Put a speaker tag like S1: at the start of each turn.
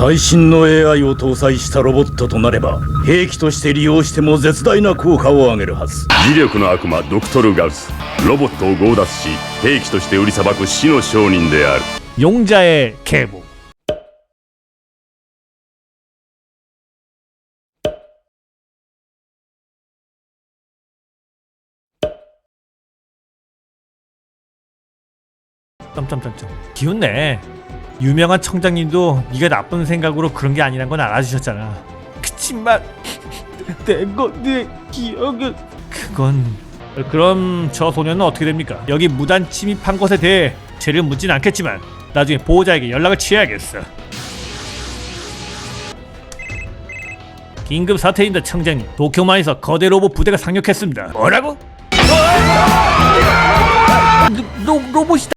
S1: 最新の AI を搭載したロボットとなれば兵器として利用しても絶大な効果を上げるはず。
S2: 磁力の悪魔ドクトル・ガウス、ロボットを強奪し兵器として売りさばく死の商人である。
S3: 용자의 계보. 점점점점 기운내. 유명한 청장님도 네가 나쁜 생각으로 그런 게 아니란 건 알아주셨잖아. 그치만 내 기억은 그건. 그럼 저 소년은 어떻게 됩니까? 여기 무단 침입한 것에 대해 죄를 묻진 않겠지만 나중에 보호자에게 연락을 취해야겠어. 긴급 사태입니다, 청장님. 도쿄만에서 거대 로봇 부대가 상륙했습니다. 뭐라고? 로봇이다.